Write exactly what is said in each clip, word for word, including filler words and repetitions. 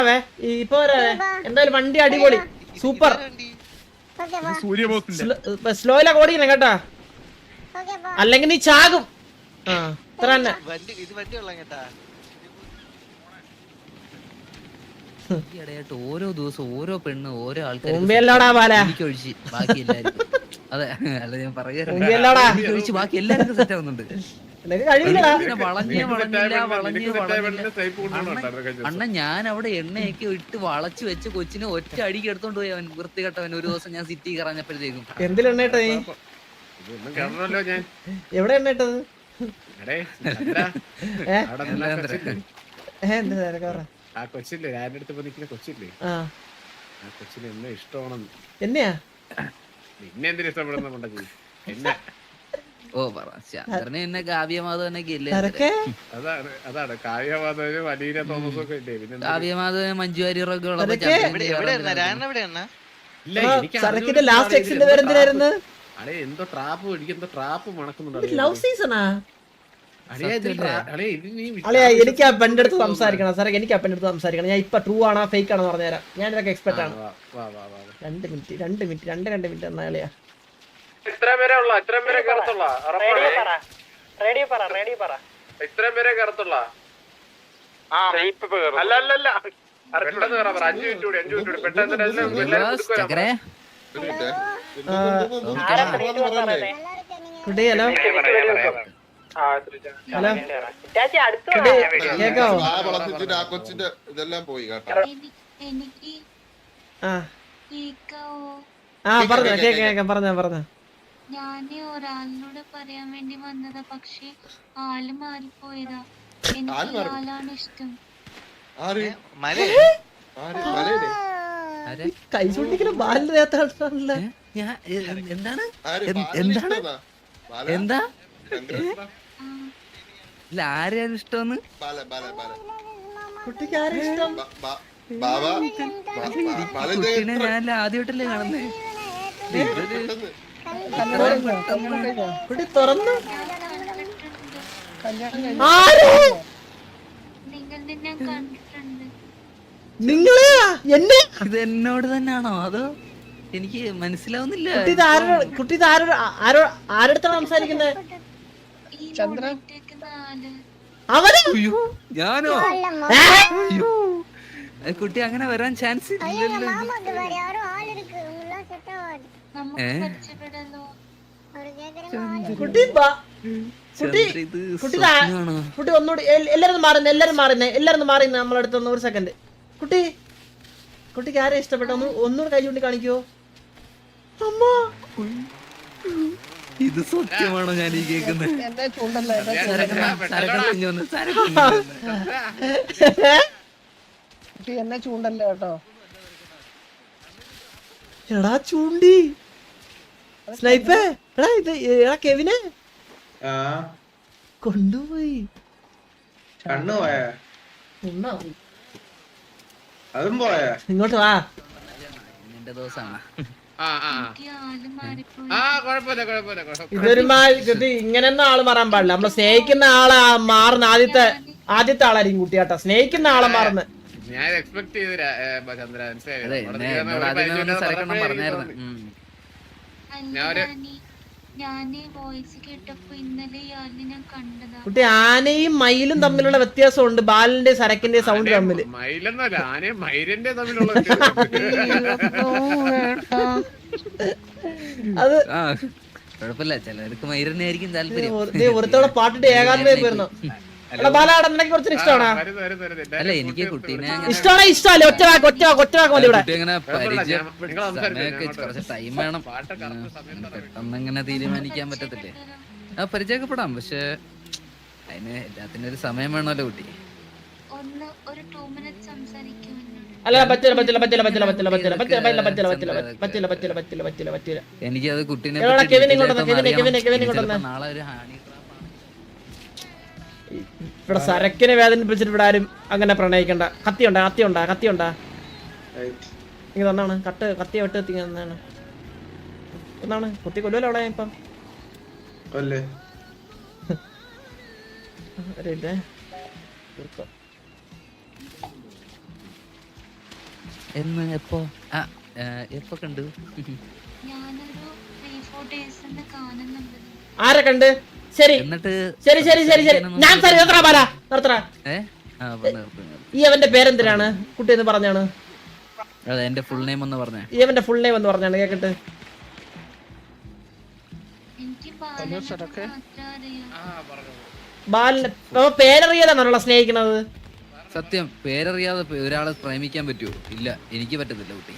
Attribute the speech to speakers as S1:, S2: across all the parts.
S1: ഇപ്പൊ എന്തായാലും വണ്ടി അടിപൊളി സൂപ്പർ. സ്ലോയിലാ ഓടിക്കണം കേട്ടാ, അല്ലെങ്കിൽ നീ ചാകും. ആ ഇത്ര തന്നെ.
S2: ഓരോ ദിവസം ഓരോ പെണ്ണ് ഓരോ ആൾക്കാർ ഒഴിച്ച് ബാക്കി എല്ലാവർക്കും. അതെ അല്ല ഞാൻ പറയാ ബാക്കി എല്ലാവർക്കും സെറ്റ് ആവുന്നുണ്ട്. വളഞ്ഞേ വളഞ്ഞില്ല വളഞ്ഞേ വളഞ്ഞില്ല അണ്ണ ഞാൻ അവിടെ എണ്ണയൊക്കെ ഇട്ട് വളച്ചു വെച്ച് കൊച്ചിനെ ഒറ്റ അടിക്ക് എടുത്തോണ്ട് പോയി അവൻ വൃത്തികെട്ടവൻ. ഒരു ദിവസം ഞാൻ സിറ്റി കറഞ്ഞപ്പോഴത്തേക്കും
S1: എന്തിലെണ്ണ ഇട്ടത്? എവിടെ എണ്ണ ഇട്ടത്?
S3: ആ കൊച്ചില്ലേ ഞാൻ്റെ അടുത്ത് നിൽക്കുന്ന കൊച്ചില്ലേ, ആ കൊച്ചിന് എന്നെ ഇഷ്ടമാണെന്ന്.
S1: എന്നെയാ?
S3: നിന്നെ എന്തിനു ഇഷ്ടപ്പെടുന്നുണ്ടെങ്കിൽ എന്നെ
S2: ഓ പറ ചന്ദ്രനെ എന്നെ കാവ്യമാധവനൊക്കെ ഇല്ലേ?
S3: അതാണ് അതാണ് കാവ്യമാധവനും അലീന തോമസും ഒക്കെ ഇല്ലേ. പിന്നെ
S2: കാവ്യമാധവൻ മഞ്ജു വാര്യറൊക്കെ ഉള്ളപ്പോ
S3: എന്തോ ട്രാപ്പ് എന്തോ ട്രാപ്പ് മണക്കുന്നുണ്ട്.
S1: ലവ് സീസണാ? എനിക്ക് ആ പെണ്ണിന്റെ അടുത്ത് സംസാരിക്കണം സാറേ, എനിക്ക് ആ പെണ്ണിന്റെ അടുത്ത് സംസാരിക്കണം. ഞാൻ ഇപ്പൊ ട്രൂ ആണോ ഫേക്ക് ആണോ പറഞ്ഞുതരാം. ഞാൻ ഇതൊക്കെ എക്സ്പെർട്ട് ആണ്. രണ്ട് മിനിറ്റ് രണ്ട് മിനിറ്റ് രണ്ട് രണ്ട് മിനിറ്റ് എന്നാളിയാ.
S3: ഇത്രയും പേരെ ഉള്ള ഇത്രയും പേരെ കറുത്തുള്ള ഇത്രയും പേരെ കറുത്തുള്ള അല്ല അല്ല അല്ല പെട്ടെന്ന് കയറാ പറ. അഞ്ചു മിനിറ്റ് കൂടി അഞ്ചു മിനിറ്റ് കൂടി പെട്ടെന്ന്
S4: കൊച്ചിന്റെ ഇതെല്ലാം പോയി കേട്ടോ.
S1: പറഞ്ഞോ പറഞ്ഞോ.
S5: ഞാന് ഒരാളിനോട് പറയാൻ വേണ്ടി വന്നതാ, പക്ഷെ ആള് മാറിപ്പോയതാ. എനിക്ക് ആളാണ് ഇഷ്ടം.
S1: കൈ ചൂണ്ടിക്കുന്ന ബാലിന്റെ
S2: എന്താണ് എന്താണ് എന്താ ഇല്ല ആരെയാണ് ഇഷ്ടമെന്ന്?
S1: കുട്ടിക്ക് ആരും ഇഷ്ടം?
S2: കുട്ടീനെ ഞാൻ ആദ്യമായിട്ടല്ലേ കാണുന്നേ.
S1: കുട്ടി തുറന്നു നിങ്ങളെ എന്നെ
S2: ഇത് എന്നോട് തന്നെയാണോ അതോ എനിക്ക് മനസ്സിലാവുന്നില്ല.
S1: കുട്ടി ആരോടത്താണ് സംസാരിക്കുന്നത്?
S2: ഞാനോ? കുട്ടി അങ്ങനെ വരാൻ ചാൻസ് ഇല്ലല്ലോ.
S1: കുട്ടി കുട്ടി ഒന്നുകൂടി എല്ലാരും മാറുന്നേ എല്ലാരും മാറുന്നേ എല്ലാരും മാറുന്നേ നമ്മളടുത്ത് ഒരു സെക്കൻഡ്. കുട്ടി കുട്ടിക്ക് ആരെ ഇഷ്ടപ്പെട്ട ഒന്ന് ഒന്നുകൂടി കൈ ചൂണ്ടി കാണിക്കോ? അമ്മ
S2: ഇത് സത്യമാണോ ഞാൻ ഈ കേൾക്കുന്നത്?
S6: എന്നെ ചൂണ്ടല്ലേ കേട്ടോ.
S1: എടാ ചൂണ്ടി സ്നൈപ്പേ. എടാ ഇത് എടാ കെവിനെ കൊണ്ടുപോയി.
S3: കണ്ണു പോയ അതും പോയ
S1: ഇങ്ങോട്ട് വാ.
S2: നിന്റെ ദിവസമാണ്.
S1: ഇതൊരു ഇങ്ങനെയൊന്നും ആള് മാറാൻ പാടില്ല. നമ്മള് സ്നേഹിക്കുന്ന ആളെ മാറുന്ന ആദ്യത്തെ ആദ്യത്തെ ആളായിരിക്കും കുട്ടിയാട്ടാ. സ്നേഹിക്കുന്ന ആളെ മാറുന്ന
S3: ഞാൻ എക്സ്പെക്ട് ചെയ്തില്ല ചന്ദ്ര.
S1: കുട്ടി ആനയും മയിലും തമ്മിലുള്ള വ്യത്യാസമുണ്ട്. ബാലിന്റെ സരക്കിന്റെ സൗണ്ട് തമ്മില്.
S3: മയിലെന്നല്ല ആനയും മയിലിന്റെ തമ്മിലുള്ള
S1: അത്
S2: കുഴപ്പമില്ല. ചിലർക്ക് മയിലിനെ ആയിരിക്കും താല്പര്യം.
S1: ഒരുത്തോടെ പാട്ടിട്ട് ഏകാന്തമായി പോയിരുന്നു. ബാലാട നിനക്ക് കുറച്ച് ഇഷ്ടമാണോ?
S2: അല്ല എനിക്ക് കുട്ടീനെ
S1: ഇഷ്ടമാണോ? ഇഷ്ടമല്ലേ? ഒറ്റ വാക്ക് ഒറ്റ വാക്ക് ഒറ്റ വാക്ക് മതി. ഇവിടെ
S2: അങ്ങനെ പരിചയപ്പെടുത്തി കുറച്ച് ടൈം വേണം. പെട്ടെന്ന് അങ്ങനെ തീരുമാനിക്കാൻ പറ്റത്തില്ലേ? ആ പരിചയപ്പെടാം, പക്ഷെ അതിന് എല്ലാത്തിനും ഒരു സമയം വേണമല്ലോ കുട്ടി.
S1: അല്ല പറ്റില്ല പറ്റില്ല പറ്റില്ല പറ്റില്ല പറ്റില്ല പറ്റില്ല പറ്റില്ല പറ്റില്ല പറ്റില്ല പറ്റില്ല പറ്റില്ല പറ്റില്ല പറ്റില്ല പറ്റില്ല പറ്റില്ല.
S2: എനിക്കത് കുട്ടീനെ നാളെ ഒരു ഹാണി
S1: ഇവിടെ സരക്കിനെ വേദനിപ്പിച്ചിട്ട് ഇവിടെ ആരും അങ്ങനെ പ്രണയിക്കണ്ട. കത്തിയുണ്ടാ കത്തിയുണ്ടാ കത്തിയുണ്ടാ ഇങ്ങനെ തന്നാണ് കട്ട് കത്തിയ വെട്ട് എത്തി എന്നാണ് എന്നാണ് കുത്തി കൊല്ലുമല്ലോ അവിടെ ഇപ്പം.
S2: എന്ന് എപ്പോ ആ ഏ, എപ്പോ കണ്ടു?
S5: ഞാനൊരു ത്രീ ഫോർ ഡേയ്സ് കാണുന്നുണ്ട്.
S1: ആരെ കണ്ട്? ശരി
S2: എന്നിട്ട്
S1: ശരി ശരി ശരി ശരി ഞാൻ സരി നിർത്തറ ബാല നിർത്തറ.
S2: ഏ ആ പറഞ്ഞ നിർത്തുന്നു.
S1: ഈ അവന്റെ പേരെന്തിനാണ് കുട്ടി എന്ന് പറഞ്ഞാണ്?
S2: അതെ എന്റെ ഫുൾ നെയിം ഒന്ന് പറഞ്ഞേ.
S1: ഈ അവന്റെ ഫുൾ നെയിം എന്ന് പറഞ്ഞാണ് കേക്കട്ടെ.
S5: എനിക്ക് ബാലനെ മാത്രം അറിയാം.
S1: ബാലൻ പേരറിയാതാണല്ലോ സ്നേഹിക്കണത്.
S2: സത്യം പേരറിയാതെ പേ- ഒരാളെ പ്രേമിക്കാൻ പറ്റുമോ? ഇല്ല എനിക്ക് പറ്റത്തില്ല കുട്ടി.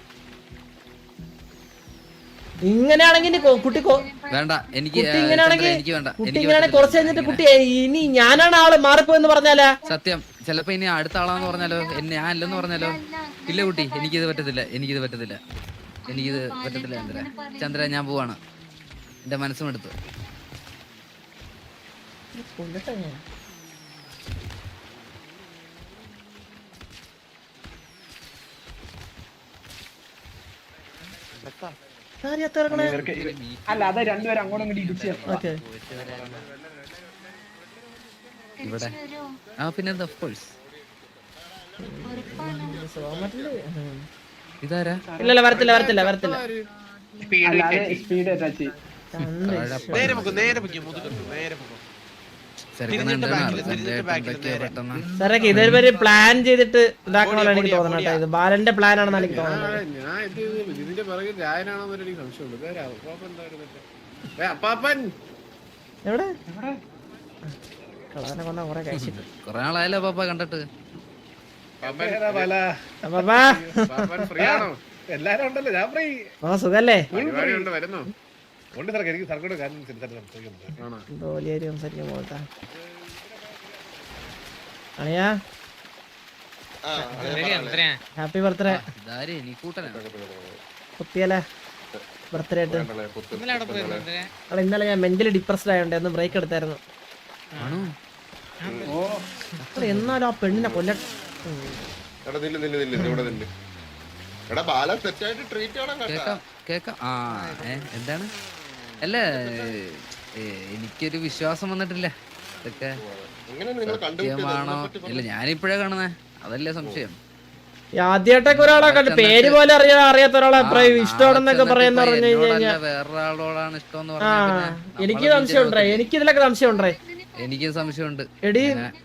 S1: ഇങ്ങനെയാണെങ്കിൽ ഇനി കൊ- കുട്ടി കൊ-
S2: വേണ്ട എനിക്ക്
S1: കുട്ടി
S2: ഏ,
S1: ഇങ്ങനെയാണെങ്കിൽ
S2: ചന്ദ്ര, എനിക്ക് വേണ്ട
S1: കുട്ടി
S2: എനിക്ക്
S1: ഇങ്ങനെയാണെങ്കിൽ കുറച്ച് കഴിഞ്ഞിട്ട്
S2: പറ്റത്തില്ല.
S1: കുട്ടി ഇനി ഞാനാണ് ആള് മാറിപ്പോയെന്ന് പറഞ്ഞാലാ?
S2: സത്യം ചിലപ്പോ ഇനി അടുത്ത ആളാന്ന് പറഞ്ഞാലോ എന്നെ ഞാൻ അല്ലെന്ന് പറഞ്ഞാലോ? ഇല്ല കുട്ടി എനിക്കിത് പറ്റത്തില്ല എനിക്കിത് പറ്റത്തില്ല എനിക്കിത് പറ്റത്തില്ല ചന്ദ്ര. ചന്ദ്ര ഞാൻ പോവാണ്. എന്റെ മനസ്സും എടുത്തു.
S6: അല്ല അത് രണ്ടുപേരും അങ്ങോട്ടും ഇങ്ങോട്ട് ഇടിച്ച്
S1: ഓക്കെ
S2: ഇവിടെ
S5: തിരിച്ചു വരുമോ?
S2: ആ പിന്നെ ഓഫ് കോഴ്സ്.
S5: ഉറപ്പാണ്.
S2: ഇതാരാ?
S1: ഇല്ലല്ല വരത്തില്ല വരത്തില്ല വരത്തില്ല.
S6: അല്ലാതെ സ്പീഡ് ടച്ച്
S1: സാറൊക്കെ ഇതൊരു പ്ലാൻ ചെയ്തിട്ട് ഇതാക്കണമല്ലോ എനിക്ക് തോന്നണം കേട്ടോ. ഇത് ബാലന്റെ പ്ലാൻ ആണെന്ന് എനിക്ക് തോന്നുന്നത്.
S3: ഞാൻ ഇത് ഇതിന്റെ പുറകിൽ രായനാണെന്നൊരു എനിക്ക് സംശയമുണ്ട്. ഇതാരാ? അപ്പാപ്പൻ എന്തായിരുന്നു മറ്റേ? ഏ, അപ്പാപ്പൻ
S1: എവിടെ കളവനെ കൊന്ന കുറെ കഴിച്ചിട്ട്.
S2: കൊറേ ആളായല്ലോ പാപ്പ കണ്ടിട്ട്.
S1: അപ്പാ
S3: അപ്പാപ്പൻ ഫ്രീ ആണോ?
S6: എല്ലാരും ഉണ്ടല്ലോ ഞാൻ ഫ്രീ
S1: ഓ സുഖല്ലേ?
S3: പരിപാടി ഉണ്ട് വരുന്നു.
S6: ഉണ്ട് സാർ എനിക്ക് സർക്കോട് കാര്യം സംസാരിക്കുന്നത്
S3: ആണോ?
S1: ജോലിയായി സംസാരിക്കാൻ പോകട്ടാ. അണിയാ
S4: ആ, അങ്ങനെ
S1: ഹാപ്പി ബർത്ത്ഡേ.
S2: ഇതാര് എനിക്കൂട്ടനാണ്.
S1: കുത്തിയല്ലേ ബർത്ത്ഡേ ആയിട്ട്.
S4: പറയണ്ടല്ലേ, പുത്ത് പുത്തല്ലേ.
S1: അല്ല ഇന്നലെ ഞാൻ മെന്റലി ഡിപ്രസ്ഡ് ആയോണ്ട് ഒന്ന് ബ്രേക്ക് എടുത്തായിരുന്നു.
S2: ആണോ?
S1: അല്ല എന്നാലും ആ പെണ്ണിനെ കൊല്ല.
S4: എടാ നില്ല് നില്ല് നില്ല് ഇത് ഇവിടെ നില്ല്. എടാ ബാല തെറ്റായിട്ട് ട്രീറ്റ് ചെയ്യണം കേട്ടാ.
S2: കേക്കാം കേക്കാം. ആ ഏ എന്താണ്? അല്ല ഏ, എനിക്കൊരു വിശ്വാസം വന്നിട്ടില്ല ഇതൊക്കെ
S4: എങ്ങനെ നിങ്ങൾ
S2: സത്യമാണോ?
S4: കണ്ടുപിടിച്ചത്?
S2: ഇല്ല ഞാനിപ്പോഴാ കാണുന്നേ. അതല്ലേ സംശയം.
S1: ആദ്യമായിട്ടൊക്കെ ഒരാളെ കണ്ടു പേര് പോലെ അറിയാ അറിയാത്ത ഒരാളെ ഇഷ്ടമാണെന്നൊക്കെ പറയുന്ന പറഞ്ഞു കഴിഞ്ഞാൽ
S2: വേറൊരാളോടാണ് ഇഷ്ടം എന്ന്
S1: ആ
S2: പറഞ്ഞാൽ
S1: എനിക്ക് സംശയം ഉണ്ടേ. എനിക്ക് ഇതിലൊക്കെ സംശയം ഉണ്ടേ.
S2: എനിക്ക് സംശയമുണ്ട്.
S1: എടി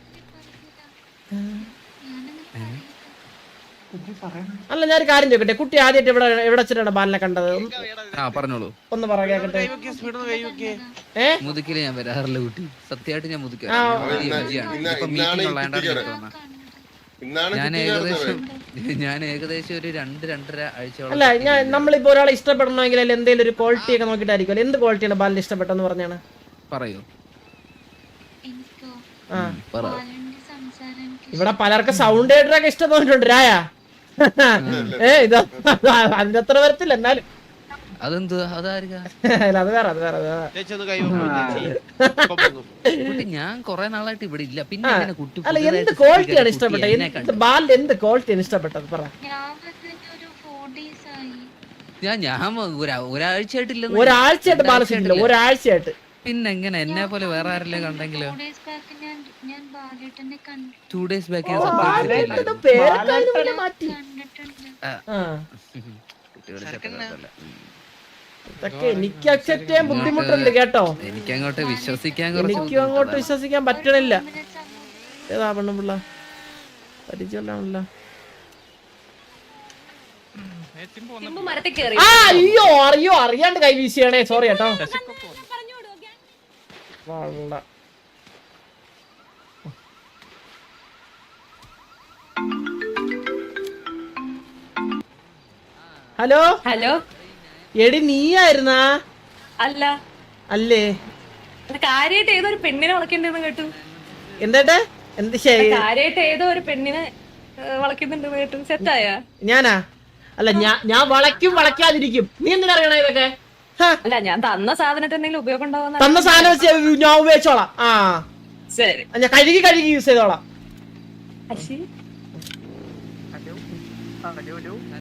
S1: അല്ല ഞാനൊരു കാര്യം ചോദിക്കട്ടെ. കുട്ടി ആദ്യമായിട്ട് ഇവിടെ എവിടെ വെച്ചിട്ടാണ് ബാലിനെ കണ്ടത്?
S2: ആ പറഞ്ഞോളൂ.
S1: ഒന്ന് പറ കേക്കട്ടെ. ഏ
S2: മുതുക്കില് ഞാൻ വരാറില്ല കുട്ടി. സത്യമായിട്ട് ഞാൻ മുതുക്കി
S1: ആ,
S4: ഇന്നാണ്
S2: ഞാൻ
S4: കുട്ടി
S2: ഏകദേശം
S4: ചേർന്നത്.
S2: ഞാൻ ഏകദേശം ഒരു രണ്ട് രണ്ടര ആഴ്ചയോളം
S1: അല്ല ഞാൻ നമ്മളിപ്പോ ഒരാളെ ഇഷ്ടപ്പെടണമെങ്കിൽ എന്തെങ്കിലും ഒരു ക്വാളിറ്റി ഒക്കെ നോക്കിയിട്ടായിരിക്കും. എന്ത് ക്വാളിറ്റിയാണ് ബാലിന് ഇഷ്ടപ്പെട്ടെന്ന് പറഞ്ഞാണ്?
S2: പറയൂ.
S5: എനിക്കോ
S1: ആ
S2: പറ.
S5: ബാലന്റെ സംസാരം എനിക്ക്
S1: ഇവിടെ പലർക്കും സൗണ്ട് കേട്ടൊക്കെ ഇഷ്ടം തോന്നിട്ടുണ്ട് രായ. ഏ ഇത് അതിന്റെ അത്ര വരത്തില്ല എന്നാലും.
S2: അതെന്ത് അതായിരിക്കാ
S1: അല്ല, അത് വേറെ അത് വേറെ അത് വേറെ.
S2: കുട്ടി ഞാൻ കൊറേ നാളായിട്ട് ഇവിടെ ഇല്ല. പിന്നെ
S1: ആ,
S2: എങ്ങനെ കുട്ടി
S1: അല്ല എന്ത്
S2: പുതിയതായിട്ട്
S1: ക്വാളിറ്റിയാണ്
S2: കുട്ടി
S1: ഇഷ്ടപ്പെട്ടത്?
S2: എന്നെ
S1: എന്ത്
S2: കണ്ടു?
S1: ബാലിന്റെ എന്ത് ക്വാളിറ്റിയാണ് ഇഷ്ടപ്പെട്ടത് പറ.
S5: ഞാൻ വന്നിട്ട് ഒരു ഫോർ ഡേയ്സ് ആയി.
S2: ഞാൻ ഞാൻ ഒരാ- ഒരാഴ്ചയായിട്ടില്ലെന്ന്.
S1: ഒരാഴ്ചയായിട്ട് ബാല ശരിയില്ല. ഒരാഴ്ചയായിട്ട്
S2: പിന്നെ എങ്ങനെ എന്നെ പോലെ വേറെ ആരെല്ലാം കണ്ടെങ്കിലോ?
S5: ഫോർ ഡേയ്സ് ബാക്ക് ഞാൻ ഞാൻ ബാലേട്ടനെ കണ്ടു
S2: ടു ഡേയ്സ് ബാക്ക്
S1: ബാലേട്ടന്റെ പേരൊക്കെ അതിന് മുന്നേ മാറ്റി.
S5: കണ്ടിട്ടുണ്ട്.
S1: ആ
S2: കുട്ടിയോട് ചെറുപ്പമല്ല.
S1: ഇതൊക്കെ എനിക്ക് അക്സെപ്റ്റ് ചെയ്യാൻ ബുദ്ധിമുട്ടുണ്ട് കേട്ടോ.
S2: എനിക്ക് അങ്ങോട്ട് വിശ്വസിക്കാൻ കുറച്ച്
S1: എനിക്കും അങ്ങോട്ട്
S2: ബുദ്ധിമുട്ടാണ്.
S1: വിശ്വസിക്കാൻ പറ്റണില്ല.
S5: പിന്നെ സംഭവം
S1: ഏതാ പെണ്ണുപിള്ള പരിചയമില്ലാണല്ലോ. ആ അയ്യോ അറിയോ അറിയാണ്ട് കൈ വീശിയാണേ. സോറി കേട്ടോ. വള്ള. ഹലോ
S7: ഹലോ
S1: എടി നീയായിരുന്നാ?
S7: അല്ല
S1: അല്ലേ
S7: കാര്യായിട്ട് ഏതോ ഒരു പെണ്ണിനെ വളയ്ക്കണ്ടെന്ന് കേട്ടു.
S1: എന്താട്ടെ എന്ത് ശരി
S7: കാര്യായിട്ട് ഏതോ ഒരു പെണ്ണിനെ ഏഹ്, വളയ്ക്കുന്നുണ്ടെന്ന് കേട്ടു. സെറ്റായ?
S1: ഞാനാ? അല്ല ഞാൻ ഞാൻ വളയ്ക്കും വളയ്ക്കാതിരിക്കും. നീ എന്തിനാ അറിയണ ഇതൊക്കെ? ഹ,
S7: അല്ല ഞാൻ തന്ന സാധനത്തിന് എന്തെങ്കിലും ഉപയോഗം ഉണ്ടാവുന്ന.
S1: തന്ന സാധനം വെച്ച് ഞാൻ ഉപയോഗിച്ചോളാം. ആ
S7: ശരി.
S1: ഞാൻ കഴുകി കഴുകി യൂസ് ചെയ്തോളാം.
S7: അശ്ശി.